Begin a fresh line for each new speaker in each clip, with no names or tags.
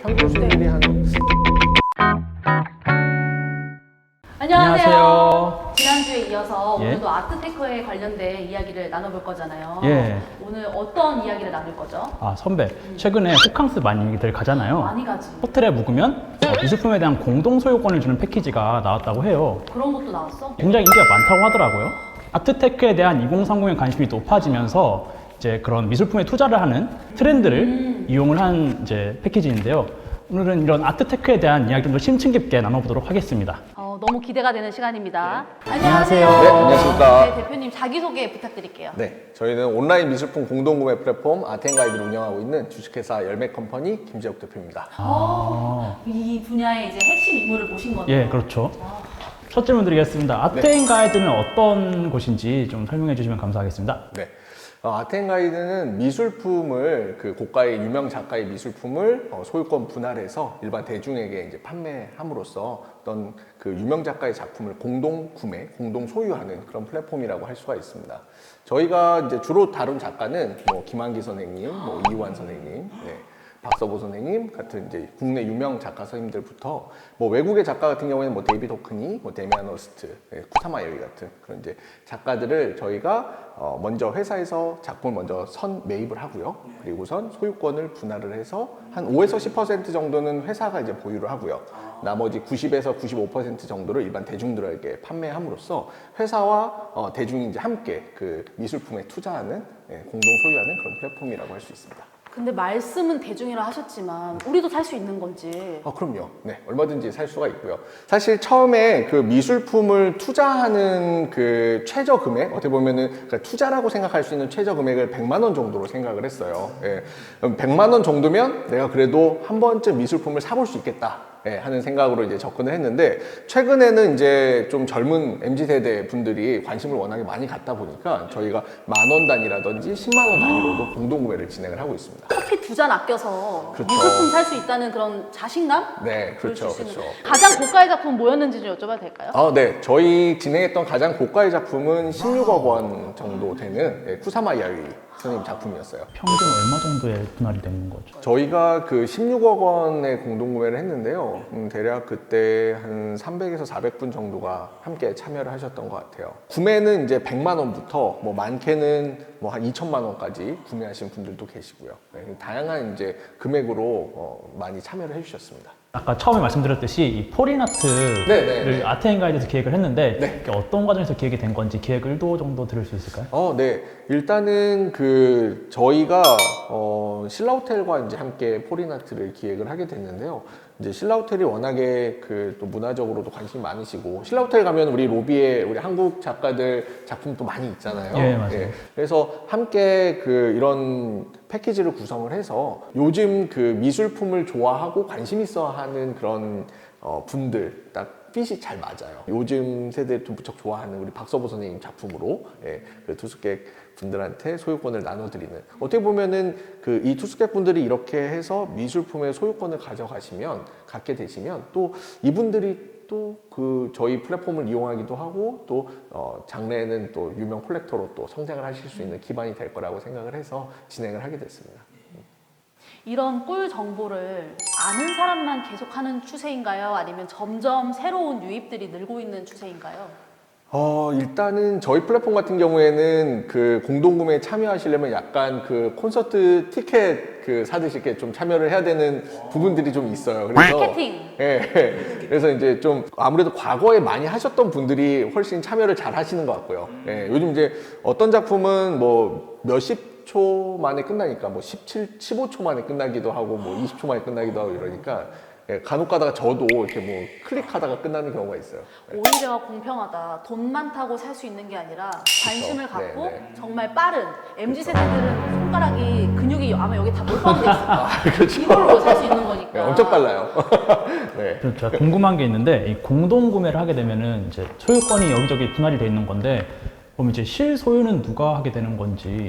평균 수익률이 한
안녕하세요.
지난주에 이어서
예.
오늘도 아트테크에 관련된 이야기를 나눠볼 거잖아요.
예.
오늘 어떤 이야기를 나눌 거죠?
선배, 최근에 호캉스 많이들 가잖아요.
많이 가지.
호텔에 묵으면 미술품에 대한 공동 소유권을 주는 패키지가 나왔다고 해요.
그런 것도 나왔어?
굉장히 인기가 많다고 하더라고요. 아트테크에 대한 2030의 관심이 높아지면서 이제 그런 미술품에 투자를 하는 트렌드를 이용을 한 이제 패키지인데요. 오늘은 이런 아트테크에 대한 이야기 좀 더 심층 깊게 나눠보도록 하겠습니다.
너무 기대가 되는 시간입니다.
안녕하세요.
네, 안녕하십니까.
네, 대표님 자기소개 부탁드릴게요.
네, 저희는 온라인 미술품 공동구매 플랫폼 아트앤가이드를 운영하고 있는 주식회사 열매컴퍼니 김재욱 대표입니다.
이 분야의 이제 핵심 인물을 모신 거네요.
예, 그렇죠. 첫 질문 드리겠습니다. 아트앤가이드는 어떤 곳인지 좀 설명해 주시면 감사하겠습니다.
네. 아트앤가이드는 미술품을 고가의 유명 작가의 미술품을 소유권 분할해서 일반 대중에게 이제 판매함으로써 어떤 그 유명 작가의 작품을 공동 구매, 공동 소유하는 그런 플랫폼이라고 할 수가 있습니다. 저희가 이제 주로 다룬 작가는 김한기 선생님, 이완 선생님, 박서보 선생님 같은 이제 국내 유명 작가 선생님들부터 외국의 작가 같은 경우에는 데이비드 호크니, 데미안 허스트, 쿠타마 여이 같은 그런 이제 작가들을 저희가 먼저 회사에서 작품을 먼저 선 매입을 하고요. 그리고선 소유권을 분할을 해서 한 5에서 10% 정도는 회사가 이제 보유를 하고요. 나머지 90에서 95% 정도를 일반 대중들에게 판매함으로써 회사와 대중이 이제 함께 그 미술품에 투자하는 공동 소유하는 그런 플랫폼이라고 할 수 있습니다.
근데 말씀은 대중이라 하셨지만 우리도 살 수 있는 건지.
그럼요. 네, 얼마든지 살 수가 있고요. 사실 처음에 그 미술품을 투자하는 그 최저 금액, 어떻게 보면은 그러니까 투자라고 생각할 수 있는 최저 금액을 100만 원 정도로 생각을 했어요. 예. 100만 원 정도면 내가 그래도 한 번쯤 미술품을 사볼 수 있겠다. 하는 생각으로 이제 접근을 했는데, 최근에는 이제 좀 젊은 MZ세대 분들이 관심을 워낙에 많이 갖다 보니까 저희가 10,000원 단위라든지 10만 원 단위로도 공동구매를 진행을 하고 있습니다.
커피 2잔 아껴서
그렇죠.
미술품 살 수 있다는 그런 자신감?
네, 그렇죠.
줄 수 있는.
그렇죠.
가장 고가의 작품 뭐였는지 좀 여쭤봐도 될까요?
네. 저희 진행했던 가장 고가의 작품은 16억 원 정도 되는 쿠사마 야유이 선생님 작품이었어요.
평균 얼마 정도에 분할이 되는 거죠?
저희가 그 16억 원의 공동구매를 했는데요. 대략 그때 한 300에서 400분 정도가 함께 참여를 하셨던 것 같아요. 구매는 이제 100만 원부터 많게는 한 2천만 원까지 구매하신 분들도 계시고요. 다양한 이제 금액으로 많이 참여를 해주셨습니다.
아까 처음에 말씀드렸듯이 이 포린아트를
네네.
아트앤가이드에서 기획을 했는데
네.
이게 어떤 과정에서 기획이 된 건지 기획 의도 정도 들을 수 있을까요?
네. 일단은 저희가 신라호텔과 이제 함께 포린아트를 기획을 하게 됐는데요. 이제 신라호텔이 워낙에 또 문화적으로도 관심이 많으시고, 신라호텔 가면 우리 로비에 우리 한국 작가들 작품도 많이 있잖아요.
예, 맞아요.
그래서 함께 이런 패키지를 구성을 해서 요즘 미술품을 좋아하고 관심 있어 하는 그런 분들 딱 핏이 잘 맞아요. 요즘 세대를 좀 무척 좋아하는 우리 박서보 선생님 작품으로 그 투숙객 분들한테 소유권을 나눠드리는, 어떻게 보면은 이 투숙객 분들이 이렇게 해서 미술품의 소유권을 갖게 되시면 또 이분들이 또 저희 플랫폼을 이용하기도 하고 또 장래에는 또 유명 콜렉터로 또 성장을 하실 수 있는 기반이 될 거라고 생각을 해서 진행을 하게 됐습니다.
이런 꿀 정보를 아는 사람만 계속하는 추세인가요? 아니면 점점 새로운 유입들이 늘고 있는 추세인가요?
일단은 저희 플랫폼 같은 경우에는 공동구매에 참여하시려면 약간 콘서트 티켓 사듯이 이렇게 좀 참여를 해야 되는 부분들이 좀 있어요. 그래서
마케팅.
그래서 이제 좀 아무래도 과거에 많이 하셨던 분들이 훨씬 참여를 잘 하시는 것 같고요. 요즘 이제 어떤 작품은 몇십 초 만에 끝나니까 15초 만에 끝나기도 하고 20초 만에 끝나기도 하고 이러니까 간혹 가다가 저도 이렇게 클릭하다가 끝나는 경우가 있어요.
오히려 공평하다. 돈 많다고 살 수 있는 게 아니라 관심을 갖고
네.
정말 빠른 MZ세대들은 손가락이 근육이 아마 여기 다 몰빵돼 있어요.
그렇죠.
이걸로 살 수 있는 거니까.
네, 엄청 빨라요. 네.
제가 궁금한 게 있는데 이 공동구매를 하게 되면은 이제 소유권이 여기저기 분할이 돼 있는 건데 그럼 이제 실소유는 누가 하게 되는 건지.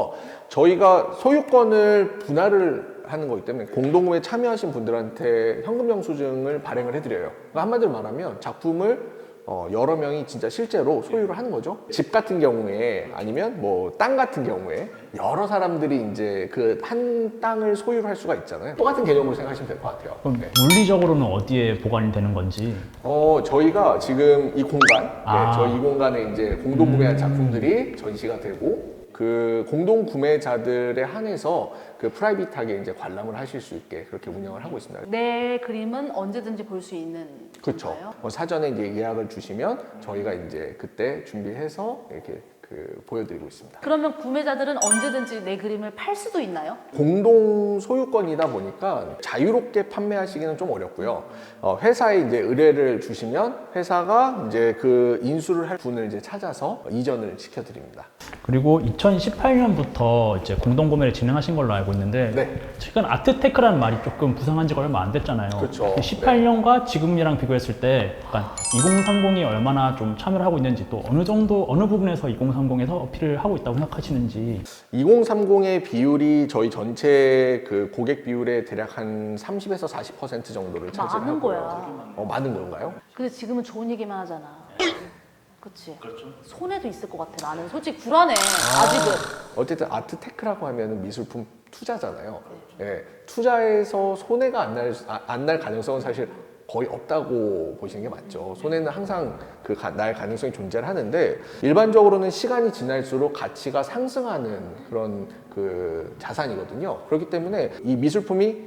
저희가 소유권을 분할을 하는 거기 때문에 공동구매에 참여하신 분들한테 현금 영수증을 발행을 해드려요. 그러니까 한마디로 말하면 작품을 여러 명이 진짜 실제로 소유를 하는 거죠. 집 같은 경우에 아니면 뭐 땅 같은 경우에 여러 사람들이 이제 그 한 땅을 소유를 할 수가 있잖아요. 똑같은 개념으로 생각하시면 될 것 같아요.
그럼
네.
물리적으로는 어디에 보관이 되는 건지.
저희가 지금 이 공간,
아.
저희 이 공간에 이제 공동 구매한 작품들이 전시가 되고 그 공동 구매자들에 한해서 그 프라이빗하게 이제 관람을 하실 수 있게 그렇게 운영을 하고 있습니다.
내 그림은 언제든지 볼 수 있는
그렇죠.
건가요?
사전에 이제 예약을 주시면 저희가 이제 그때 준비해서 이렇게 보여드리고 있습니다.
그러면 구매자들은 언제든지 내 그림을 팔 수도 있나요?
공동 소유권이다 보니까 자유롭게 판매하시기는 좀 어렵고요. 회사에 이제 의뢰를 주시면 회사가 이제 그 인수를 할 분을 이제 찾아서 이전을 시켜드립니다.
그리고 2018년부터 이제 공동구매를 진행하신 걸로 알고 있는데
네.
최근 아트테크라는 말이 조금 부상한 지가 얼마 안 됐잖아요.
그렇죠.
18년과 지금이랑 비교했을 때 약간 2030이 얼마나 좀 참여를 하고 있는지 또 어느 정도 어느 부분에서 2030에서 어필을 하고 있다고 생각하시는지.
2030의 비율이 저희 전체 그 고객 비율의 대략 한 30에서 40% 정도를 차지하고요.
많은 거야.
많은 건가요?
근데 지금은 좋은 얘기만 하잖아. 그치? 그렇죠. 손해도 있을 것 같아. 나는 솔직히 불안해. 아직은.
어쨌든 아트테크라고 하면 미술품 투자잖아요. 예, 투자에서 손해가 안 날 가능성은 사실 거의 없다고 보시는 게 맞죠. 손해는 항상 날 가능성이 존재를 하는데 일반적으로는 시간이 지날수록 가치가 상승하는 그런 그 자산이거든요. 그렇기 때문에 이 미술품이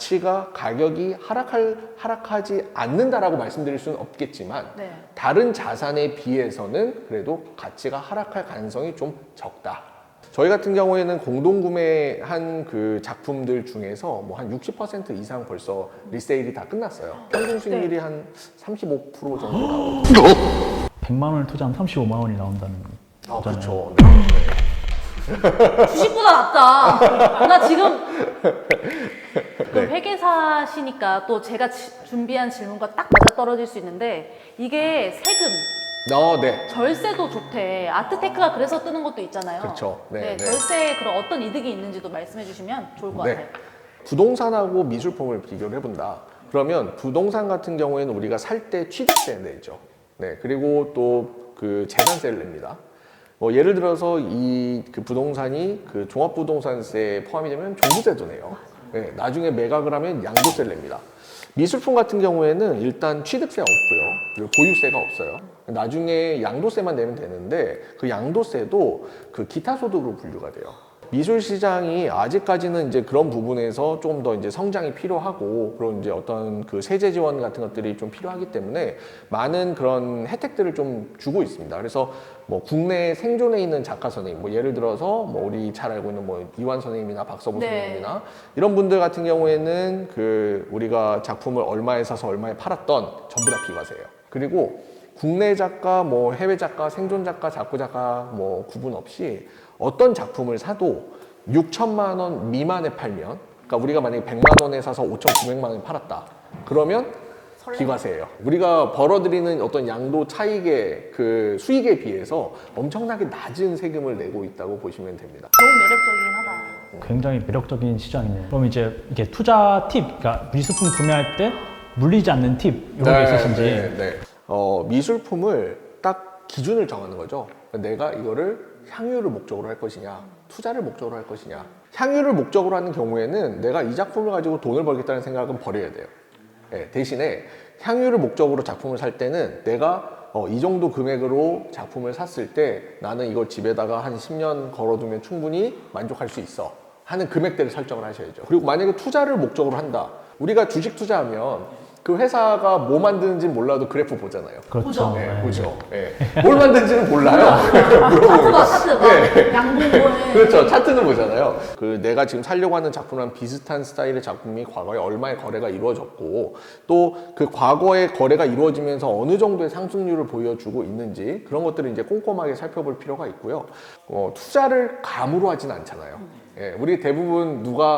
가격이 하락하지 않는다라고 말씀드릴 수는 없겠지만
네.
다른 자산에 비해서는 그래도 가치가 하락할 가능성이 좀 적다. 저희 같은 경우에는 공동 구매한 그 작품들 중에서 뭐 한 60% 이상 벌써 리세일이 다 끝났어요. 평균 수익률이 한 35% 정도 나오고.
100만 원을 투자하면 35만 원이 나온다는 거잖아요.
그렇죠.
주식보다 낫다. 나 지금 그 회계사시니까 또 제가 준비한 질문과 딱 맞아 떨어질 수 있는데 이게 세금,
네.
절세도 좋대. 아트테크가 그래서 뜨는 것도 있잖아요.
그렇죠. 네, 네.
절세에 그런 어떤 이득이 있는지도 말씀해 주시면 좋을 것 같아요.
부동산하고 미술품을 비교를 해본다. 그러면 부동산 같은 경우에는 우리가 살 때 취득세 내죠. 네, 그리고 또 그 재산세를 냅니다. 예를 들어서 이 그 부동산이 그 종합부동산세에 포함이 되면 종부세도 내요. 네, 나중에 매각을 하면 양도세를 냅니다. 미술품 같은 경우에는 일단 취득세가 없고요. 그리고 보유세가 없어요. 나중에 양도세만 내면 되는데 그 양도세도 그 기타 소득으로 분류가 돼요. 미술 시장이 아직까지는 이제 그런 부분에서 조금 더 이제 성장이 필요하고 그런 이제 어떤 그 세제 지원 같은 것들이 좀 필요하기 때문에 많은 그런 혜택들을 좀 주고 있습니다. 그래서 뭐 국내에 생존해 있는 작가 선생님, 뭐 예를 들어서 뭐 우리 잘 알고 있는 뭐 이완 선생님이나 박서부
네.
선생님이나 이런 분들 같은 경우에는 그 우리가 작품을 얼마에 사서 얼마에 팔았던 전부 다 비과세예요. 그리고 국내 작가, 뭐 해외 작가, 생존 작가, 작고 작가 뭐 구분 없이 어떤 작품을 사도 6천만 원 미만에 팔면, 그러니까 우리가 만약에 100만 원에 사서 5,900만 원에 팔았다. 그러면 비과세예요. 우리가 벌어들이는 어떤 양도 차익의 그 수익에 비해서 엄청나게 낮은 세금을 내고 있다고 보시면 됩니다.
너무 매력적이긴 하다.
굉장히 매력적인 시장이네요. 그럼 이제 이게 투자 팁, 그러니까 미술품 구매할 때 물리지 않는 팁 이런 게 있으신지.
네. 미술품을 딱 기준을 정하는 거죠. 내가 이거를 향유를 목적으로 할 것이냐, 투자를 목적으로 할 것이냐. 향유를 목적으로 하는 경우에는 내가 이 작품을 가지고 돈을 벌겠다는 생각은 버려야 돼요. 네, 대신에 향유를 목적으로 작품을 살 때는 내가 이 정도 금액으로 작품을 샀을 때 나는 이걸 집에다가 한 10년 걸어두면 충분히 만족할 수 있어 하는 금액대를 설정을 하셔야죠. 그리고 만약에 투자를 목적으로 한다. 우리가 주식 투자하면 그 회사가 뭐 만드는지 몰라도 그래프 보잖아요.
그렇죠.
네,
네.
보죠. 네. 뭘 만드는지는 몰라요.
차트 양봉을.
그렇죠. 차트는 보잖아요. 그 내가 지금 살려고 하는 작품이랑 비슷한 스타일의 작품이 과거에 얼마의 거래가 이루어졌고 또 그 과거의 거래가 이루어지면서 어느 정도의 상승률을 보여주고 있는지 그런 것들을 이제 꼼꼼하게 살펴볼 필요가 있고요. 투자를 감으로 하진 않잖아요. 예, 우리 대부분 누가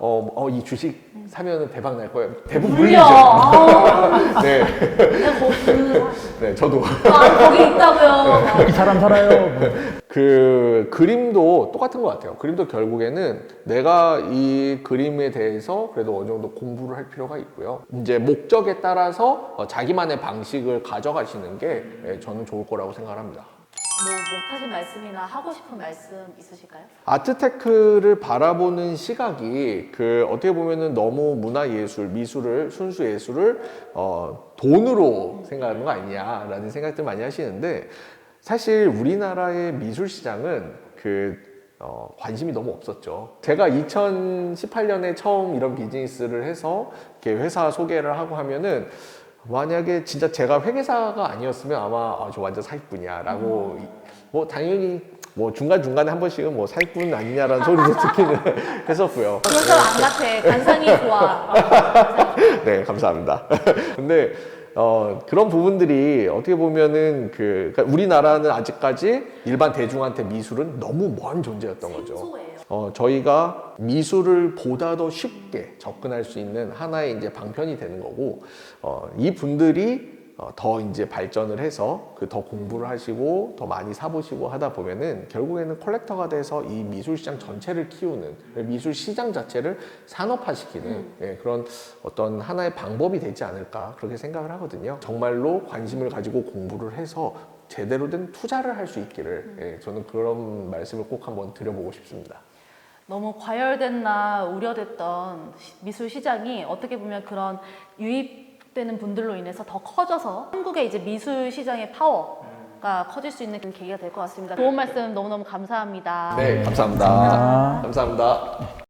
이 주식 사면은 대박 날 거예요. 대부분
물려.
물리죠.
아우,
네,
내가
네, 저도.
거기 있다고요.
이 사람 살아요. 뭐.
그 그림도 똑같은 것 같아요. 그림도 결국에는 내가 이 그림에 대해서 그래도 어느 정도 공부를 할 필요가 있고요. 이제 목적에 따라서 자기만의 방식을 가져가시는 게 저는 좋을 거라고 생각합니다.
뭐 못하신 말씀이나 하고 싶은 말씀 있으실까요?
아트테크를 바라보는 시각이 그 어떻게 보면은 너무 문화예술, 미술을 순수 예술을 돈으로 생각하는 거 아니냐라는 생각들 많이 하시는데 사실 우리나라의 미술 시장은 관심이 너무 없었죠. 제가 2018년에 처음 이런 비즈니스를 해서 이렇게 회사 소개를 하고 하면은 만약에 진짜 제가 회계사가 아니었으면 아마 저 완전 사기꾼이야라고 뭐 당연히 뭐 중간중간에 한 번씩은 뭐 사기꾼 아니냐라는 소리도 듣기는 했었고요.
그런 사람 안 같아. 관상이 좋아.
네, 감사합니다. 근데 그런 부분들이 어떻게 보면은 그러니까 우리나라는 아직까지 일반 대중한테 미술은 너무 먼 존재였던 거죠.
생소해요.
저희가 미술을 보다 더 쉽게 접근할 수 있는 하나의 이제 방편이 되는 거고, 이 분들이 더 이제 발전을 해서 더 공부를 하시고 더 많이 사보시고 하다 보면은 결국에는 컬렉터가 돼서 이 미술 시장 전체를 키우는 미술 시장 자체를 산업화시키는 그런 어떤 하나의 방법이 되지 않을까 그렇게 생각을 하거든요. 정말로 관심을 가지고 공부를 해서 제대로 된 투자를 할 수 있기를 저는 그런 말씀을 꼭 한번 드려보고 싶습니다.
너무 과열됐나 우려됐던 미술 시장이 어떻게 보면 그런 유입되는 분들로 인해서 더 커져서 한국의 이제 미술 시장의 파워가 커질 수 있는 계기가 될 것 같습니다. 좋은 말씀 너무너무 감사합니다.
네, 감사합니다. 감사합니다.